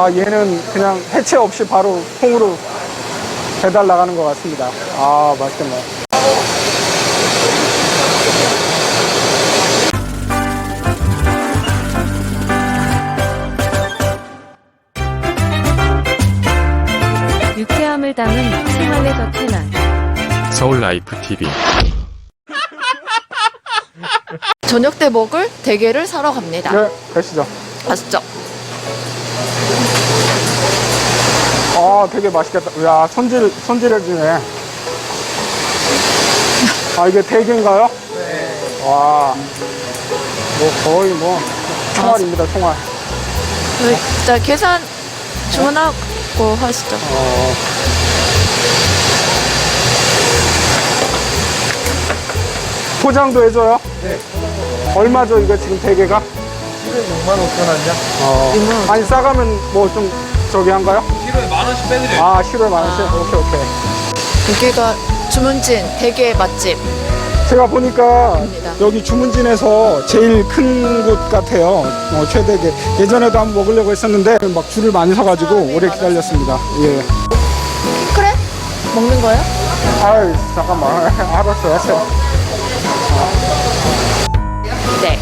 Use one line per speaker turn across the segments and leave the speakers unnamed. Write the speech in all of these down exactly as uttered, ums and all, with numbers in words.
아, 얘는 그냥 해체 없이 바로 통으로 배달 나가는 것 같습니다. 아, 맛있겠네.
유쾌함을 담은 생활의 더 채널
서울 라이프 티비.
저녁 때 먹을 대게를 사러 갑니다.
네, 가시죠.
맛있죠?
아, 되게 맛있겠다. 야, 손질, 손질해주네. 아, 이게 대게인가요? 네. 와, 뭐 거의 뭐 총알입니다, 총알.
네, 자, 계산 주문하고 하시죠.
어. 포장도 해줘요? 네. 얼마죠, 이거 지금 대게가?
키로에 육만 오천 원이요?
어. 아니, 싸가면 뭐 좀 저기 한가요?
키로에 만 원씩 빼드려요.
아, 키로에 만 원씩?
아.
오케이, 오케이.
여기가 주문진 대게 맛집.
제가 보니까
입니다.
여기 주문진에서 제일 큰 곳 같아요. 어, 최대게. 예전에도 한번 먹으려고 했었는데 막 줄을 많이 서가지고 오래 기다렸습니다. 예.
그래? 먹는 거예요?
아이, 잠깐만. 알았어, 알았어.
네.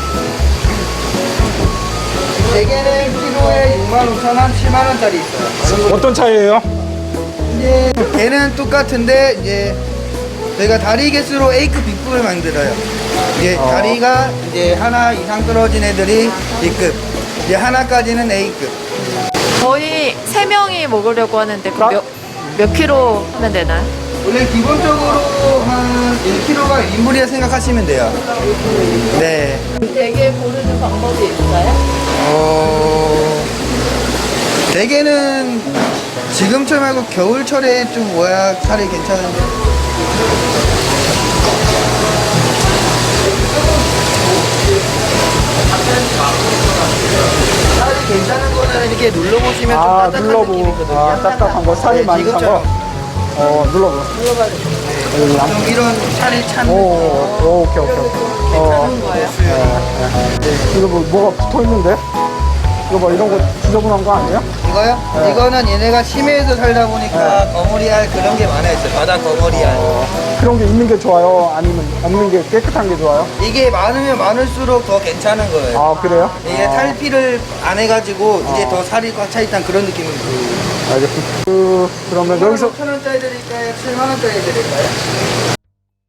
대게는 키로에 육만 오천 원, 칠만 원짜리 있어요.
어떤 차이예요?
이제 개는 똑같은데 이제 저희가 다리 개수로 A급 B급을 만들어요. 이제
어.
다리가 이제 하나 이상 떨어진 애들이 B급, 이제 하나까지는 A급.
저희 세 명이 먹으려고 하는데 그
나-
몇, 몇 킬로 하면 되나요?
원래 기본적으로 한 일 킬로그램가 일 인분이라 생각하시면 돼요. 네.
대게 고르는 방법이 있어요?
어, 대게는 지금철 말고 겨울철에 좀 모야 살이 괜찮은데. 살이 괜찮은 거는 이렇게 눌러보시면 좀
아,
딱딱한
눌러보고.
느낌이거든요.
아, 딱딱한 거. 살이
네,
많이 찬 거.
지금처럼.
어, 눌러보.
눌러봐야 돼요.
여기 양.
좀 이런 살이 찬
오,
느낌.
오, 오케이, 오케이, 오케이. 어,
하는 거예요?
네. 이거 뭐, 뭐가 붙어 있는데? 이거 뭐 이런 거 지저분한 거 아니에요?
이거요?
네.
이거는 얘네가 심해에서 살다 보니까 거머리알 그런 게 많아있어요. 바다 거머리알.
어, 그런 게 있는 게 좋아요? 아니면 없는 게 깨끗한 게 좋아요?
이게 많으면 많을수록 더 괜찮은 거예요.
아, 그래요?
이게
아,
탈피를 안 해가지고 이제 더 살이 꽉 차 있다는 그런 느낌이 들어요.
알겠습니다. 그, 그러면 여기서
오천 원짜리 드릴까요? 칠만 원짜리 드릴까요?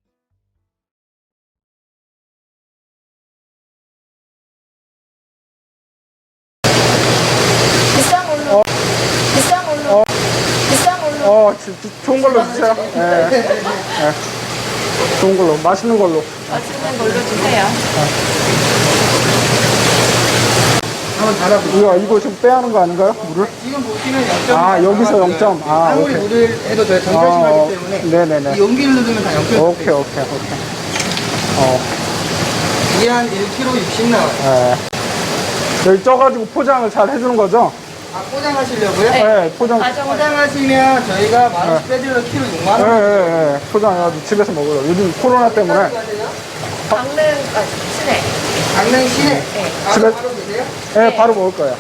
비싼 걸로. 비싼 걸로. 비싼 걸로.
어, 지- 지- 좋은 걸로 주세요. 예. 예. 좋은 걸로, 맛있는 걸로.
맛있는 걸로 주세요.
한번 달아보세요.
이거, 이거 좀 빼야 하는 거 아닌가요? 물을?
지금 보시면 영 점.
아, 여기서 영 점. 아,
아무리
오케이.
물을 해도 저희
아,
전자심하기
어,
때문에
네네네.
이 용기를 누르면 다 영 점.
오케이, 오케이, 오케이. 어,
이게 한 일 킬로그램 육십 나와요.
예. 여기 쪄가지고 포장을 잘 해주는 거죠?
아, 포장하시려고요?
네.
예, 포장.
가져가.
포장하시면 저희가 만 원씩 빼드려 키로 육만
예,
원.
예, 예. 포장해가지고 집에서 먹어요. 요즘 코로나 때문에.
강릉 아, 시내.
강릉 시내.
네.
바로,
집에-
바로 계세요?
예, 바로 먹을 거예요.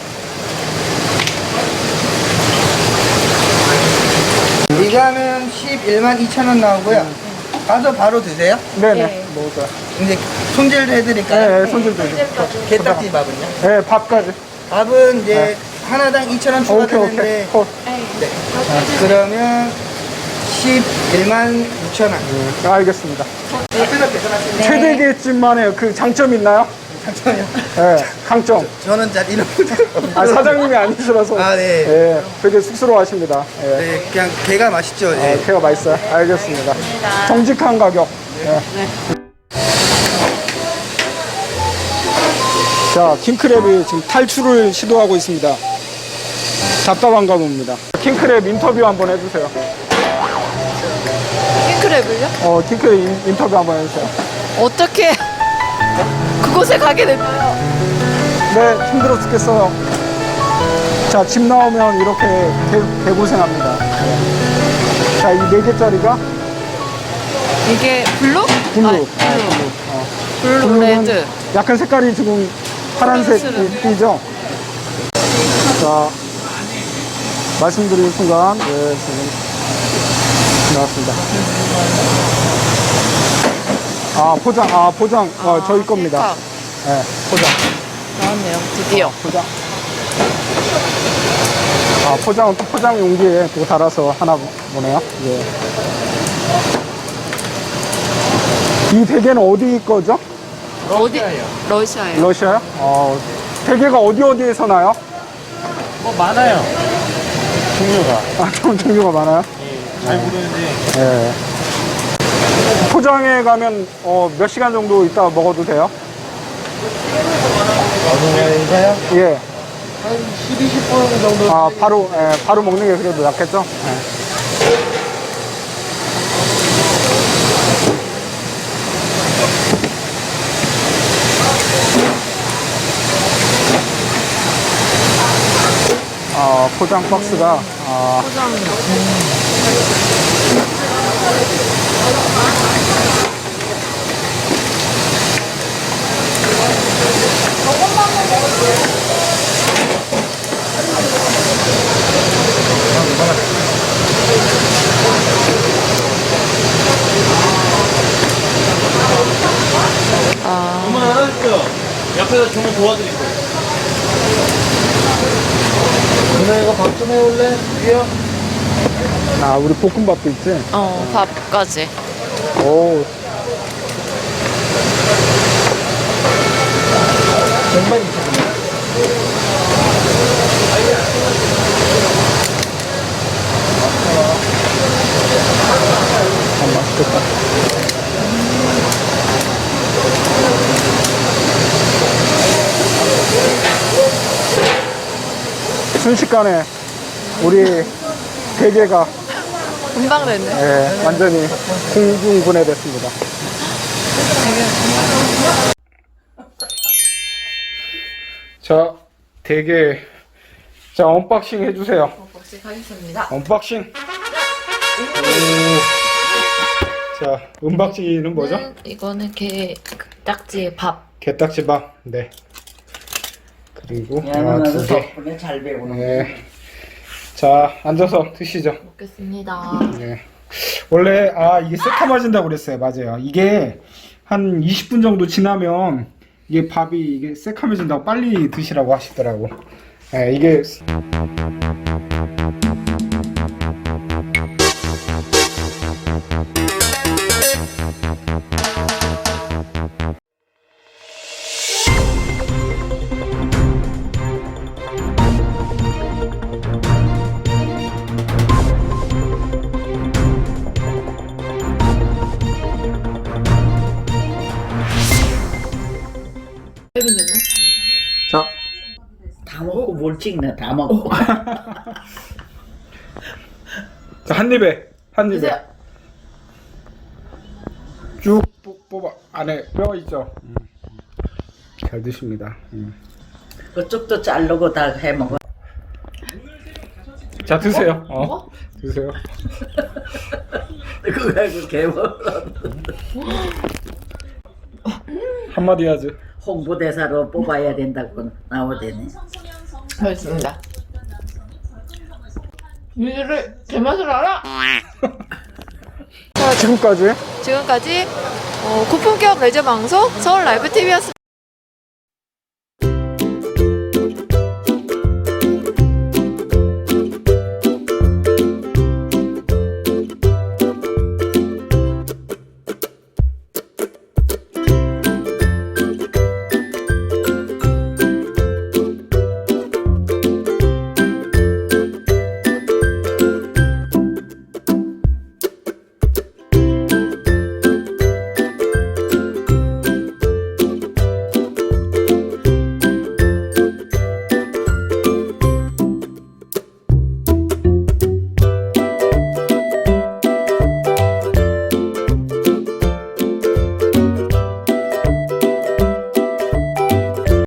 예.
이거 하면 십일만 이천 원 나오고요. 가서 바로 드세요.
네네.
네.
먹을 거예요.
이제 손질 해드릴까요?
예, 예, 손질 되죠.
게딱지 밥은요?
예, 밥까지.
밥은 이제
네.
하나당 이천 원
오케이, 오케이.
추가되는데
콜.
네.
네. 그러면 십일만 육천 원.
예, 알겠습니다.
앞에서 계산하시면
네.
최대게집만의 그 장점 있나요?
잠깐만요.
예, 강점.
저는 잘 이런
아, 사장님이 아니시라서.
아, 네.
예, 되게 쑥스러워하십니다. 예.
네, 그냥 게가 맛있죠.
아,
예.
회가 맛있어요. 알겠습니다. 정직한 가격. 예. 자, 킹크랩이 지금 탈출을 시도하고 있습니다. 답답한가 봅니다. 킹크랩 인터뷰 한번 해주세요.
킹크랩을요?
어, 킹크랩 인, 인터뷰 한번 해주세요.
어떻게 그곳에 가게 될까요?
네, 힘들어 죽겠어요. 자, 집 나오면 이렇게 개, 개고생합니다. 네. 자, 이 네 개짜리가
이게 블루?
블루.
아,
아,
블루.
어.
블루
블루는
레드.
약간 색깔이 지금 파란색
파란색은.
띠죠? 자, 말씀드린 순간, 네, 지금 나왔습니다. 아, 포장, 아, 포장, 어, 저희 겁니다. 네, 포장.
나왔네요. 드디어.
포장. 아, 포장은 또 포장 용기에 또 달아서 하나 보네요. 예. 이 대게는 어디 거죠?
어디? 러시아예요.
러시아요? 어, 대게가 어디 어디에서 나요?
뭐 많아요. 종류가.
아, 좀 종류가 많아요?
예, 잘 모르는데
예. 포장해 가면 어, 몇 시간 정도 있다 먹어도 돼요?
어느 거인가요?
예.
한 십, 이십 분 정도.
아, 바로, 예, 바로 먹는 게 그래도 낫겠죠? 예. 아, 포장 박스가, 아,
포장.
주문 안 하셨죠? 옆에서 주문 도와드릴 거예요. 누나 이거 밥 좀 해올래? 위요?
아, 우리 볶음밥도 있지?
어, 밥까지.
오,
정말 있잖아요.
참 맛있겠다. 순식간에 우리 대게가
금방 됐네.
예, 완전히 공중분해됐습니다. 자, 대게 자 언박싱 해주세요.
혹시 하겠습니다.
언박싱. 오. 자, 은박지는 뭐죠?
음, 이거는 게 딱지의 밥.
게딱지밥. 네. 그리고
야,
아,
나도
두 개.
덕분에 잘 배우는
네. 자, 앉아서 드시죠.
먹겠습니다.
네. 원래 아 이게 새카매진다고 그랬어요. 맞아요. 이게 한 이십 분 정도 지나면 이게 밥이 이게 새카매진다고 빨리 드시라고 하시더라고. 네, 이게 자,
다 먹고 뭘 찍나 다 먹고
자, 한 입에 한 입에
드세요.
쭉 뽑- 뽑아 안에 뼈 있죠. 음. 잘 드십니다. 음.
그쪽도 자르고 다 해먹어.
자, 드세요. 어, 드세요.
그거 가지고 개먹어.
한마디 하지.
홍보대사로 뽑아야 된다고 나오대네.
맛있습니다. 니들을 제 맛을 알아?
지금까지
지금까지 어, 고품격 레저 방송 서울 라이브 티비였습니다.